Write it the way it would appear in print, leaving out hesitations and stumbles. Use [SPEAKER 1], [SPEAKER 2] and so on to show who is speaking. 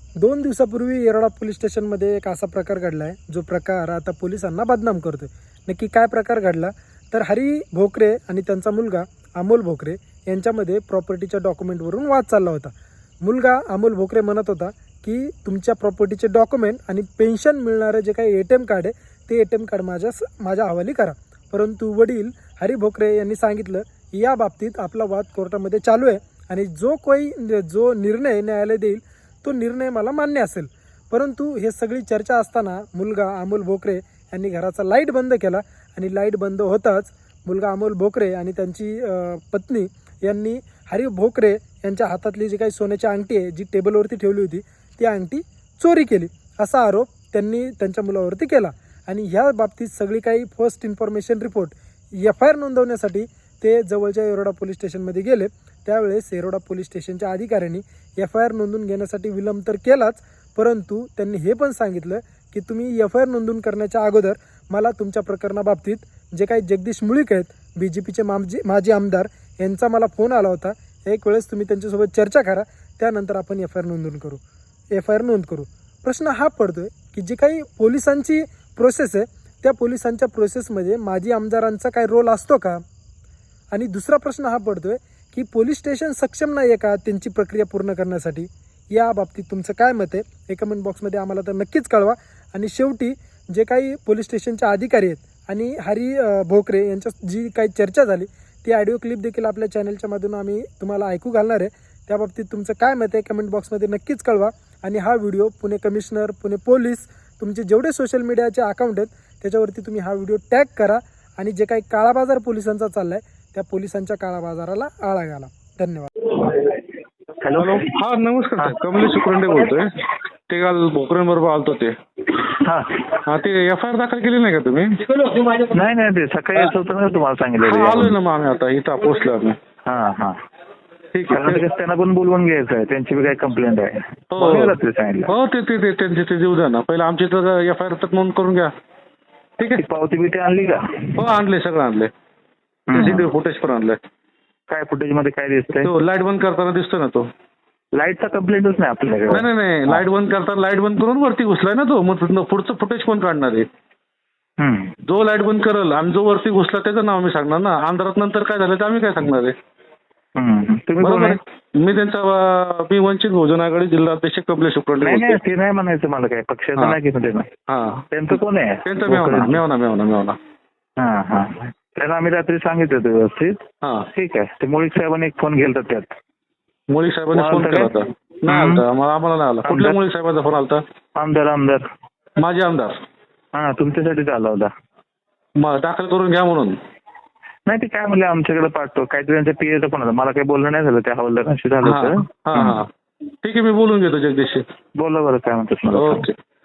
[SPEAKER 1] 2 दिवसापूर्वी येरवडा पोलीस स्टेशनमध्ये एक असा प्रकार घडला आहे, जो प्रकार आता पोलिसांना बदनाम करतोय. नक्की काय प्रकार घडला? तर हरी भोकरे आणि त्यांचा मुलगा अमोल भोकरे यांच्यामध्ये प्रॉपर्टीच्या डॉक्युमेंटवरून वाद चालला होता. मुलगा अमोल भोकरे म्हणत होता की तुमच्या प्रॉपर्टीचे डॉक्युमेंट आणि पेन्शन मिळणारं जे काही ATM कार्ड आहे ते ATM कार्ड माझ्या हवाली करा. परंतु वडील हरी भोकरे यांनी सांगितलं या बाबतीत आपला वाद कोर्टामध्ये चालू आहे आणि जो निर्णय न्यायालय देईल तो निर्णय मला मान्य असेल. परंतु हे सगळी चर्चा असताना मुलगा अमोल भोकरे यांनी घराचा लाईट बंद केला आणि लाईट बंद होताच मुलगा अमोल भोकरे आणि त्यांची पत्नी यांनी हरी भोकरे यांच्या हातातली जी काही सोन्याची अंगठी आहे जी टेबलवरती ठेवली होती ती अंगठी चोरी केली असा आरोप त्यांनी त्यांच्या मुलावरती केला. आणि ह्या बाबतीत सगळी काही फर्स्ट इन्फॉर्मेशन रिपोर्ट FIR नोंदवण्यासाठी ते जवळच्या येरवडा पोलीस स्टेशनमध्ये गेले. त्यावेळेस येरवडा पोलीस स्टेशनच्या अधिकाऱ्यांनी FIR नोंदवून घेण्यासाठी विलंब तर केलाच, परंतु त्यांनी हे पण सांगितलं की तुम्ही FIR नोंदवून करण्याच्या अगोदर मला तुमच्या प्रकरणाबाबतीत जे काही जगदीश मुळीक आहेत BJPचे माजी आमदार यांचा मला फोन आला होता. एक वेळेस तुम्ही त्यांच्यासोबत चर्चा करा, त्यानंतर आपण FIR नोंद करू. प्रश्न हा पडतोय की जी काही पोलिसांची प्रोसेस आहे त्या पोलिसांच्या प्रोसेसमध्ये माजी आमदारांचा काय रोल असतो का? आणि दुसरा प्रश्न हा पडतोय की पोलीस स्टेशन सक्षम नाही आहे का त्यांची प्रक्रिया पूर्ण करण्यासाठी? या बाबतीत तुमचं काय मत आहे हे कमेंट बॉक्समध्ये आम्हाला तर नक्कीच कळवा. आणि शेवटी जे काही पोलीस स्टेशनचे अधिकारी आहेत आणि हरी भोकरे यांच्या जी काही चर्चा झाली ती ऑडिओ क्लिप देखील आपल्या चॅनलच्या मधून आम्ही तुम्हाला ऐकू घालणार आहे. त्या बाबतीत तुमचं काय मत आहे कमेंट बॉक्समध्ये नक्कीच कळवा. आणि हा video Pune commissioner, Pune police, तुमचे जेवढे सोशल मीडियाचे अकाउंट आहेत त्याच्यावरती तुम्ही हा व्हिडिओ टॅग करा आणि जे काही काळा बाजार पोलिसांचा चालला आहे त्या पोलिसांच्या काळा बाजाराला आळा घाला. धन्यवाद.
[SPEAKER 2] हॅलो.
[SPEAKER 3] हा नमस्कार साहेब, कमलेश सुकरंडे बोलतोय. ते काल भोकरेंबरोबर आलतो ते.
[SPEAKER 2] हा
[SPEAKER 3] हा ते FIR दाखल केली नाही का तुम्ही?
[SPEAKER 2] नाही ते सकाळी यायचं होतं ना तुम्हाला सांगितलं.
[SPEAKER 3] आलोय ना मग आम्ही आता इथं पोहोचलो आम्ही.
[SPEAKER 2] हा
[SPEAKER 3] ठीक आहे.
[SPEAKER 2] त्यांना पण बोलवून घ्यायचं आहे, त्यांची बी काही कंप्लेंट आहे. सांगितलं
[SPEAKER 3] हो ते त्यांचे ते देऊ द्या ना. पहिला आमची तर FIR तर नोंद करून घ्या. ठीक आहे.
[SPEAKER 2] पावती बिटी आणली का?
[SPEAKER 3] हो आणले, सगळं आणले. CCTV फुटेज पण आणलंय.
[SPEAKER 2] काय फुटेज मध्ये काय दिसतंय?
[SPEAKER 3] तो लाईट बंद करताना दिसतोय ना तो.
[SPEAKER 2] लाईटचा कंप्लेंटच नाही आपल्याकडे.
[SPEAKER 3] नाही लाईट बंद करताना लाईट बंद करून वरती घुसलाय ना तो. मग पुढचं फुटेज कोण काढणार आहे? जो लाईट बंद करल आणि जो वरती घुसला त्याचं नाव मी सांगणार ना. अंधारात नंतर काय झालं ते आम्ही काय सांगणार आहे?
[SPEAKER 2] तुम्ही
[SPEAKER 3] मी मी वंचित बहुजन आघाडी जिल्हा अध्यक्ष कमलेश सुकरंडे.
[SPEAKER 2] नाही ते नाही म्हणायचं मला, काय पक्षाचं नाही की त्यांचं कोण आहे?
[SPEAKER 3] त्यांचं मेवना.
[SPEAKER 2] हा त्यांना आम्ही रात्री सांगितलं होतं व्यवस्थित. ठीक आहे. ते मुळीक साहेबांनी एक फोन गेलता त्यात.
[SPEAKER 3] मुळीक साहेबांनी फोन केला होता? नाही आलता आम्हाला नाही आला. कुठल्या मुळीक साहेबांचा फोन आलता?
[SPEAKER 2] आमदार
[SPEAKER 3] माझे आमदार.
[SPEAKER 2] हा तुमच्यासाठीच आला होता.
[SPEAKER 3] मग दाखल करून घ्या म्हणून.
[SPEAKER 2] नाही ते काय म्हणले आमच्याकडे पाठतो, काहीतरी त्यांच्या PA पण होता. मला काही बोलणं नाही झालं, त्या हवालदारांशी झालं होतं.
[SPEAKER 3] ठीक आहे, मी बोलून घेतो जगदीशशी.
[SPEAKER 2] बोला बरं काय म्हणतात मला.
[SPEAKER 3] ओके.